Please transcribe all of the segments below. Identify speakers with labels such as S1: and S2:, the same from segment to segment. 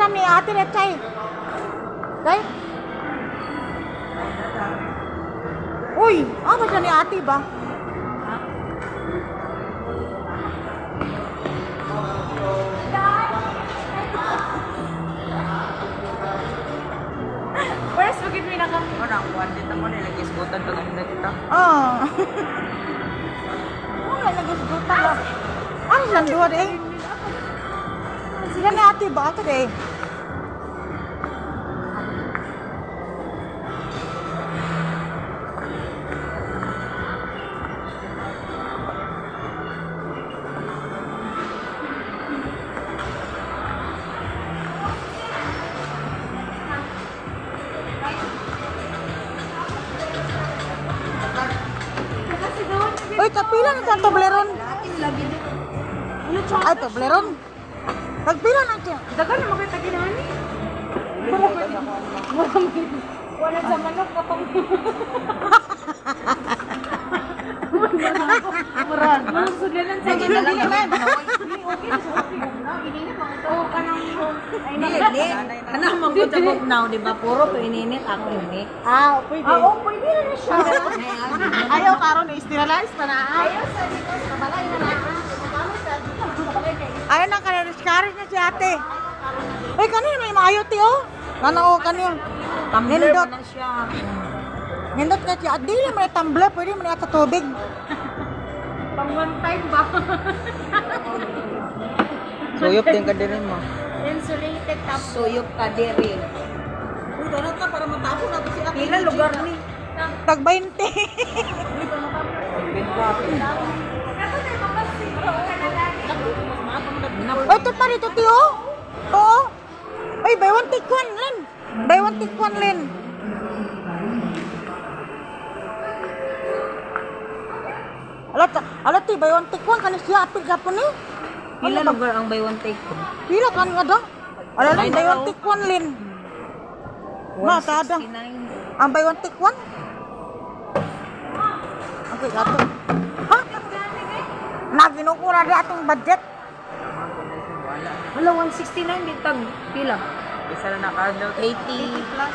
S1: sila ni ate Rechay. Day? Uy, ba siya ni ate ba?
S2: Where's bagit mo naka? Orang one dito mo nilagay isgutan to na kita.
S1: Wala nag-isgutan lang. Ano lang duwa de? Sila ni ate ba ate de? Uy, kapila na sa Toblerone. Ay, Toblerone. Kapila na siya.
S2: Dagan na makita ginahan ni. Wala sa manok kapag Murag. Sudlanan sa ginahan. Oh, kanang
S3: Hindi. Kanang magbutabog now, di ba? Puro to ininit ako ini.
S1: Pwede.
S2: pwede na siya.
S1: Ayaw karon i-sterilize pa na.
S2: Ayaw sa dito sa balay na na.
S1: Ayaw na ka-discourage na si ate. Uy, kanina may maayo ti oh. Ano kanina?
S3: Tumbler
S1: Nindot.
S3: na siya.
S1: Nindot ka siya. Di naman may tumbler. Pwede mo na sa tubig.
S2: Pang one time ba?
S3: Suyop din ka din mo.
S2: Insulated top.
S3: Suyop ka diri.
S1: Uy, darat ka para matapon na si ate.
S3: Pila lugar ni?
S1: Tag 20. Uy, ito pa rito ti oh. Oo. Uy, buy one take one, Len. Buy one take one, Len. Alat ti, buy one take one. Kanis siya, apil ka po ni.
S3: Pila lugar ang buy one take ko?
S1: Pila kan nga daw. Alam lang, buy one take one, Len. Matada.
S3: 169.
S1: Ang buy one take one? Okay, gato. Ha? Naginukura di atong budget.
S3: Hala, 169 bitag. Pila?
S2: Isa na nakadlaw.
S3: 80 plus.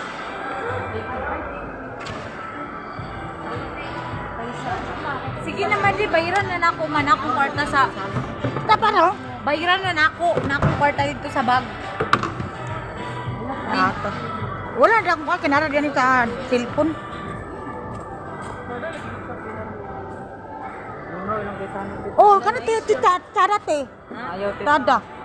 S2: Sige naman di bayaran na nako man ako kwarta sa
S1: Tapa no?
S2: bayaran na nako kwarta dito sa bag.
S1: Ato. Wala na akong kinara diyan sa cellphone. Oh, kana ti tada te.
S2: Ayaw
S1: Tada.